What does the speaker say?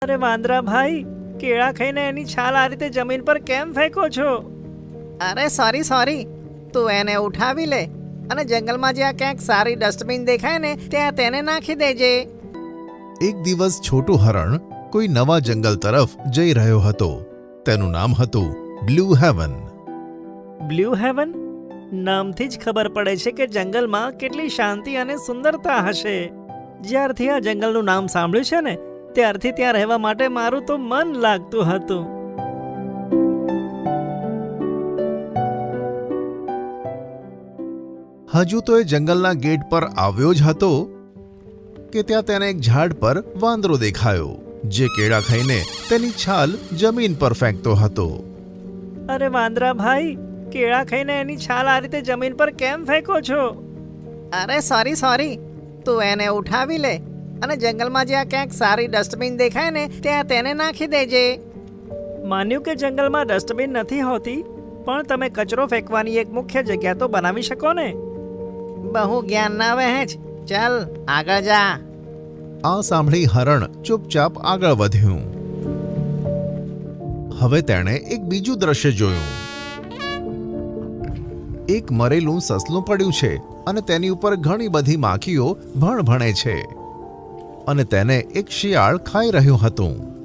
અરે વાંદરા ભાઈ, કેળા ખાઈને એની છાલ આ રીતે જમીન પર કેમ ફેંકો છો? અરે સોરી, તું એને ઉઠાવી લે અને જંગલમાં જ્યાં ક્યાંક સારી ડસ્ટબિન દેખાય ને ત્યાં તેને નાખી દેજે. એક દિવસ છોટું હરણ કોઈ નવા જંગલ તરફ જઈ રહ્યો હતો. તેનું નામ હતું બ્લુ હેવન. Blue heaven? નામથી જ ખબર પડે છે કે જંગલમાં કેટલી શાંતિ અને સુંદરતા હશે. જ્યારથી આ જંગલનું નામ સાંભળ્યું છે ને ત્યારથી ત્યાં રહેવા માટે મારું તો મન લાગતું હતું. હજુ તો એ જંગલના ગેટ પર આવ્યો જ હતો કે ત્યાં તેને એક ઝાડ પર વાંદરો દેખાયો, જે કેળા ખાઈને તેની છાલ જમીન પર ફેંકતો હતો. અરે વાંદરા ભાઈ, કેળા ખાઈને એની છાલ આ રીતે જમીન પર કેમ ફેંકો છો? અરે સોરી, તું એને ઉઠાવી લે અને જંગલમાં જ્યાં ક્યાંક સારી ડસ્ટબિન દેખાય ને ત્યાં તેને નાખી દેજે. માન્યું કે જંગલમાં ડસ્ટબિન નથી હોતી, પણ તમે કચરો ફેંકવાની એક મુખ્ય જગ્યા તો બનાવી શકો ને. બહુ જ્ઞાન ના વહેંચ, ચાલ આગળ જા. આ સાંભળી હરણ ચૂપચાપ આગળ વધ્યું. હવે તેણે એક બીજું દ્રશ્ય જોયું. એક મરેલું સસલું પડ્યું છે અને તેની ઉપર ઘણી બધી માખીઓ ભણભણે છે અને તેને એક શિયાળ ખાઈ રહ્યું હતું.